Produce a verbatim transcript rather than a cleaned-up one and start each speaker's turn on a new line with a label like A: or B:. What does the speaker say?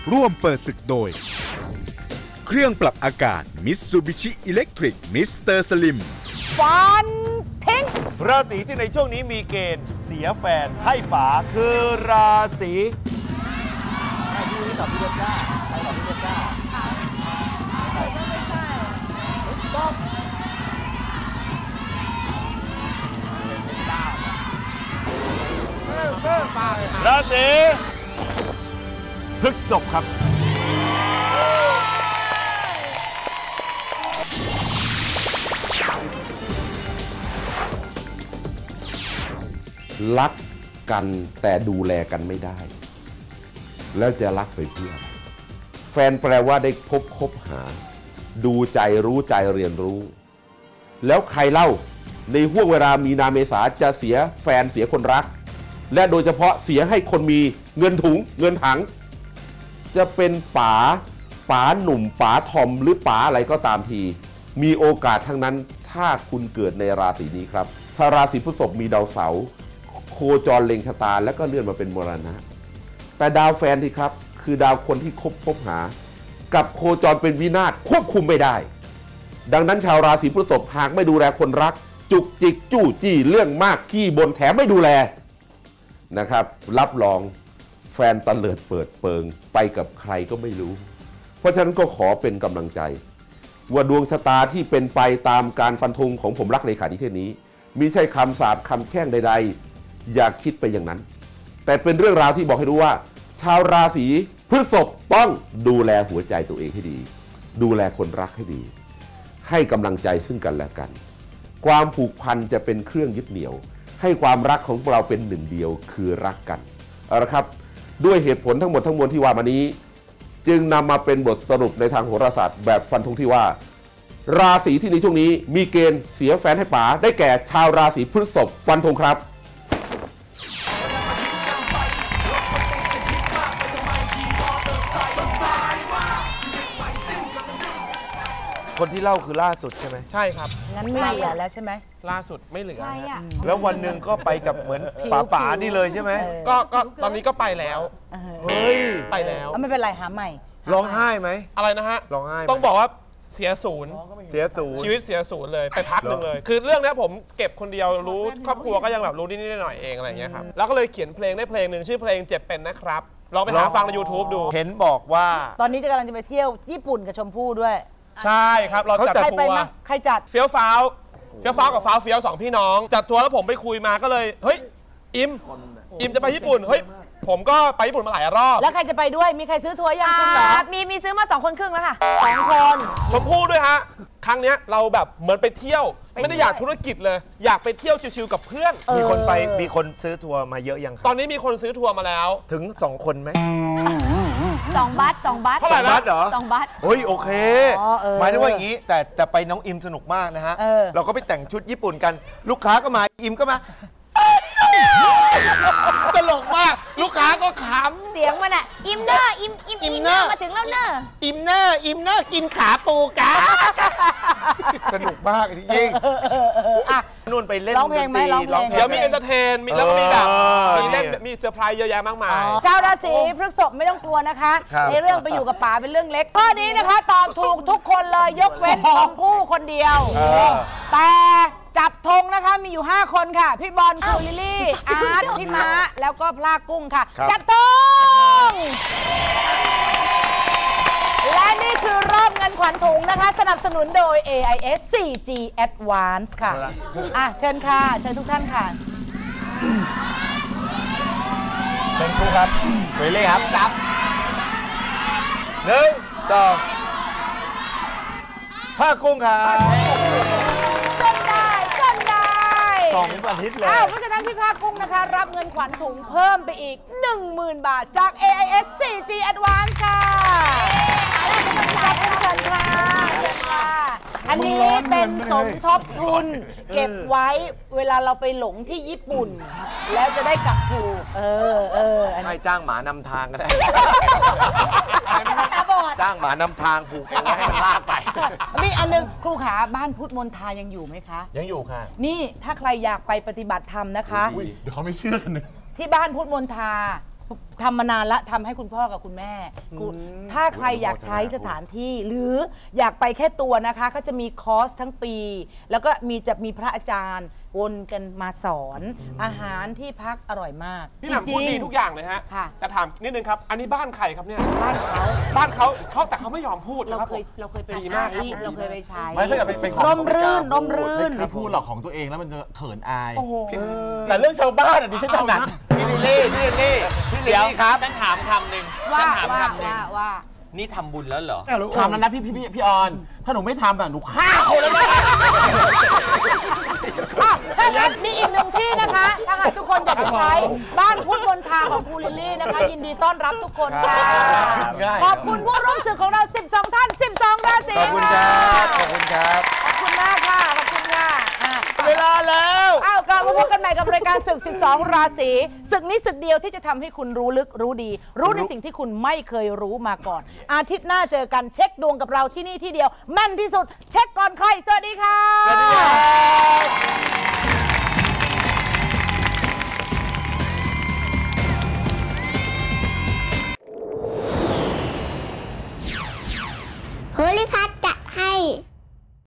A: ร่วมเปิดศึกโดยเครื่องปรับอากาศ Mitsubishi Electric มิสเตอร์ Slim
B: ฟันทิ้ง
C: ราศีที่ในช่วงนี้มีเกณฑ์เสียแฟนให้ป๋าคือราศีใช่ที่นี้ตอบพี่เด็กก้าใครตอบพี่เด็กก้าราศีพฤษภครับ
D: รักกันแต่ดูแลกันไม่ได้แล้วจะรักไปเพื่อแฟนแปลว่าได้พบคบหาดูใจรู้ใจเรียนรู้แล้วใครเล่าในห่วงเวลามีนาเมษาจะเสียแฟนเสียคนรักและโดยเฉพาะเสียให้คนมีเงินถุงเงินถังจะเป็นป๋าป๋าหนุ่มป๋าทอมหรือป๋าอะไรก็ตามทีมีโอกาสทั้งนั้นถ้าคุณเกิดในราศีนี้ครับถ้าราศีพฤษภมีดาวเสาร์โคจรเล็งชะตาแล้วก็เลื่อนมาเป็นมรณะแต่ดาวแฟนที่ครับคือดาวคนที่คบคบหากับโคจรเป็นวินาศควบคุมไม่ได้ดังนั้นชาวราศีพฤษภหากไม่ดูแลคนรักจุกจิกจู้จี้เรื่องมากขี้บ่นแถมไม่ดูแลนะครับรับรองแฟนตะเลิดเปิดเปิงไปกับใครก็ไม่รู้เพราะฉะนั้นก็ขอเป็นกำลังใจว่าดวงชะตาที่เป็นไปตามการฟันธงของผมรักเลขานิเทศนี้มิใช่คำสาปคำแช่งใดๆอย่าคิดไปอย่างนั้นแต่เป็นเรื่องราวที่บอกให้รู้ว่าชาวราศีพฤษภต้องดูแลหัวใจตัวเองให้ดีดูแลคนรักให้ดีให้กำลังใจซึ่งกันและกันความผูกพันจะเป็นเครื่องยึดเหนี่ยวให้ความรักของเราเป็นหนึ่งเดียวคือรักกันเอาละครับด้วยเหตุผลทั้งหมดทั้งมวลที่ว่ามานี้จึงนำมาเป็นบทสรุปในทางโหราศาสตร์แบบฟันธงที่ว่าราศีที่ในช่วงนี้มีเกณฑ์เสียแฟนให้ป๋าได้แก่ชาวราศีพฤษภฟันธงครับ
C: คนที่เล่าคือล่าสุดใช่ไหม
E: ใช่ครับ
B: งั้นไม่เหลือแล้วใช่ไหม
E: ล่าสุดไม่เหลือ
C: แล้ววันหนึ่งก็ไปกับเหมือนป๋าป๋านี่เลยใช่ไหม
E: ก็ก็ตอนนี้ก็ไปแล้ว
C: เฮ้ย
E: ไปแล้ว
B: ไม่เป็นไรหาใหม่
C: ร้องไห้ไหม
E: อะไรนะฮะ
C: ร้องไห้
E: ต้องบอกว่าเสียศูนย์
C: เสียศูนย์
E: ชีวิตเสียศูนย์เลยไปพักหนึ่งเลยคือเรื่องนี้ผมเก็บคนเดียวรู้ครอบครัวก็ยังแบบรู้นิดๆหน่อยๆเองอะไรอย่างเงี้ยครับแล้วก็เลยเขียนเพลงได้เพลงหนึ่งชื่อเพลงเจ็บเป็นนะครับลองไปหาฟังใน ยูทูบ ดู
C: เห็นบอกว่า
B: ตอนนี้จะกำลังจะไปเที่ยวญี่ปุ่นกับชมพู่ด้วย
E: ใช่ครับเราจัดทัวร์
B: ใครจัด
E: เฟี้ยวฟ้าวเฟี้ยวฟ้าวกับฟ้าวเฟี้ยวสองพี่น้องจัดทัวร์แล้วผมไปคุยมาก็เลยเฮ้ยอิมอิมจะไปญี่ปุ่นเฮ้ยผมก็ไปญี่ปุ่นมาหลายรอบ
B: แล้วใครจะไปด้วยมีใครซื้อทัวร์ยังคุณเหรอ
F: มีมีซื้อมาสองคนครึ่งแล้วค่ะ
B: สองคน
E: ชมพู่ด้วยฮะครั้งนี้เราแบบเหมือนไปเที่ยวไม่ได้อยากธุรกิจเลยอยากไปเที่ยวชิวๆกับเพื่อน
C: มีคนไปมีคนซื้อทัวร์มาเยอะยัง
E: ตอนนี้มีคนซื้อทัวร์มาแล้ว
C: ถึงสองคนไหม
F: สองบัตสองบัต
E: เท่าไหร่นะ
C: เหรอ
F: สองบัต
C: เฮ้ยโอเคหมายถึงว่าอย่างนี้แต่แต่ไปน้องอิมสนุกมากนะฮะเราก็ไปแต่งชุดญี่ปุ่นกันลูกค้าก็มาอิมก็มาตลกมากลูกค้าก็ขำ
F: เสียงมันอ่ะอิมเนอร์อิมอิมอิมเนอร์มาถึงแล้วเนอร์
C: อิมเนอร์อิมเนอร์กินขาปูกะสนุกมากจริงๆนู่นไปเล่น
B: ร้องเพลงไหมร้องเพลง
E: เดี๋ยวมีเอนเตอร์เทนแล้วก็มีแบบมีเล่นมีเซอร์ไพรส์เยอะแยะมากมาย
B: ชาวราศีพฤษภไม่ต้องกลัวนะคะในเรื่องไปอยู่กับป๋าเป็นเรื่องเล็กข้อนี้นะคะตอบถูกทุกคนเลยยกเว้นชมพู่คนเดียวแต่จับธงนะคะมีอยู่ห้าคนค่ะพี่บอลครูลิลลี่อาร์ตพี่ม้าแล้วก็พลากุ้งค่ะจับธงและนี่คือรอบเงินขวัญถุงนะคะสนับสนุนโดย เอ ไอ เอส โฟร์ จี Advance ค่ะอ่ะเชิญค่ะเชิญทุกท่านค่ะ
C: เป็นครูครับเวเล่ครับจับหนึ่งสองผ้ากุ้งครับ
B: จนได้จนได้
C: สองอาทิตย์เลย
B: เพราะฉะนั้นพี่ภาคกุ้งนะคะรับเงินขวัญถุงเพิ่มไปอีก หนึ่งหมื่น บาทจาก เอ ไอ เอส โฟร์ จี Advance ค่ะจับเป็นเชิญค่ะเชิญค่ะอันนี้เป็นสมทบทุนเก็บไว้เวลาเราไปหลงที่ญี่ปุ่นแล้วจะได้กลับถูกเออเออ
C: ให้จ้างหมานำทางก็ได้
F: ตาบอด
C: จ้างหมานำทางผูกเอาไว้ให้มันลากไป
B: มีอันนึงครูขาบ้านพุทธมนทายังอยู่ไหมคะ
C: ยังอยู่ค่ะ
B: นี่ถ้าใครอยากไปปฏิบัติธรรมนะคะ
E: เดี๋ยวเขาไม่เชื่อกันนะ
B: ที่บ้านพุทธมนทาทำมานานละทำให้คุณพ่อกับคุณแม่ถ้าใครอยากใช้สถานที่หรืออยากไปแค่ตัวนะคะก็จะมีคอร์สทั้งปี แล้วก็มีจะมีพระอาจารย์วนกันมาสอนอาหารที่พักอร่อยมาก
E: พี่หม่ำพูดดีทุกอย่างเลยฮะแต่ถามนิดนึงครับอันนี้บ้านใครครับเนี่ย
B: บ้านเขา
E: บ้านเขาเขาแต่เขาไม่ยอมพูด
B: เรา
E: นะครับ
B: เคยเราเคยไป
E: ดี
B: ใช้
E: มากครับ
B: เราเคยไปใช้
C: ไม่ถ้าเกิดเป็นของ
B: ร่มรื่นร่มรื่น
C: ไม่พูดหรอกของตัวเองแล้วมันจะเขินอาย
B: โอ้โห
C: แต่เรื่องชาวบ้านอ่ะดิฉันถนัดพี่ลิลลี่พี่ลิลลี่พี่ลิลลี่ครับ
G: ฉันถามคำหนึ่ง
B: ว่า
G: ฉันถาม
B: ว่า
G: คำหนึ่ง
B: ว่าว่า
G: นี่ทำบุญแล้วเหรอ
C: ทำแล้วนะพี่พี่พี่ออน ถ้าหนูไม่ทำอ่ะหนูฆ่าคนแล้วนะ
B: อ่ะถ้างั้นมีอีกหนึ่งที่นะคะ ถ้าหากทุกคนอยากจะใช้บ้านพุทธมณฑาของครูลิลลี่นะคะ ยินดีต้อนรับทุกคนค่ะ ขอบคุณผู้ร่วมศึกของเรา สิบสอง ท่าน สิบสอง ราศี
C: ขอบคุณครับขอบคุณครับ
B: ขอบคุณมากค่ะ ขอบคุณค่ะอ่ะ
C: เวลาแล้ว
B: อ้าวกลับมาพบกันใหม่กับรายการศึก สิบสอง ราศีศึกนี้ศึกเดียวที่จะทำให้คุณรู้ลึกรู้ดี รู้ในสิ่งที่คุณไม่เคยรู้มาก่อน อาทิตย์หน้าเจอกันเช็คดวงกับเราที่นี่ที่เดียวแม่นที่สุด เช็คก่อนใครสวัสดีค่ะ
C: สวัสดีครับ